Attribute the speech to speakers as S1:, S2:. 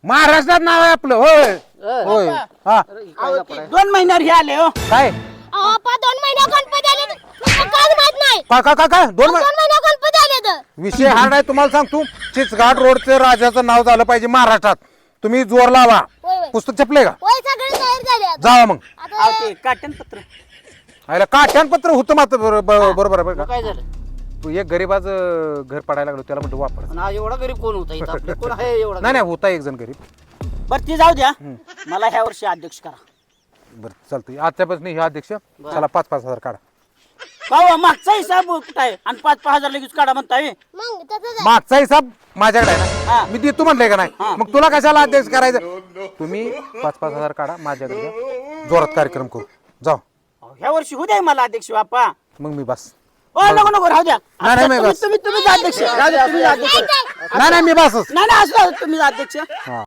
S1: महाराष्ट्रात नाव आहे आपलं. होय होय हा
S2: 2 महिन्यावर हे आले हो.
S1: काय
S3: आपा 2 महिने गणपती आले काय माहित नाही.
S1: काय 2
S3: महिने गणपती आले तर
S1: विषय हार्ड आहे तुम्हाला सांगतो. चिचघाट रोडचं राजाचं नाव झालं पाहिजे महाराष्ट्रात. तुम्ही जोर लावा.
S3: होय.
S1: पुस्तक छपले का?
S3: होय सगळे तयार झाले आता.
S1: जावा मग.
S3: आता
S2: ते काटनपत्र
S1: आयला काठ्यानपत्र होतं मात्र बरोबर आहे बरं का.
S2: काय झालं
S1: तू एक गरीबाचं घर पडायला लागलो त्याला म्हणतो वापर.
S2: पण आज एवढा गरीब कोण होता इथं आपलं? कोण आहे एवढा
S1: नाही नाही होता एक जण गरीब.
S2: बरं ती जाऊ द्या. मला ह्या वर्षी अध्यक्ष करा.
S1: बरं चालतंय आजच्यापासून हे अध्यक्ष चला 5-5 हजार काढा.
S2: का हो, मागचा हिसाब कुठं आहे आणि 5-5 हजार लगेच काढा म्हणताय.
S3: मग तसंच
S1: मागचा हिसाब माझ्याकडे आहे ना.
S2: हा.
S1: मी देतो म्हणलंय का नाही. मग तुला कशाला अध्यक्ष करायचं. तुम्ही 5-5 हजार काढा माझ्याकडे द्या. जोरात कार्यक्रम करू जाऊ.
S2: ह्या वर्षी होऊ द्या मला अध्यक्ष बाप्पा.
S1: मग मी बस.
S2: ओ नको राहू द्या.
S1: नाही, नाही,
S2: तुम्ही
S1: बस.
S2: तुम्ही तुम्हीच अध्यक्ष राहू द्या, तुम्हीच अध्यक्ष.
S1: नाही नाही मी बसच.
S2: नाही असं तुम्हीच अध्यक्ष.
S1: हा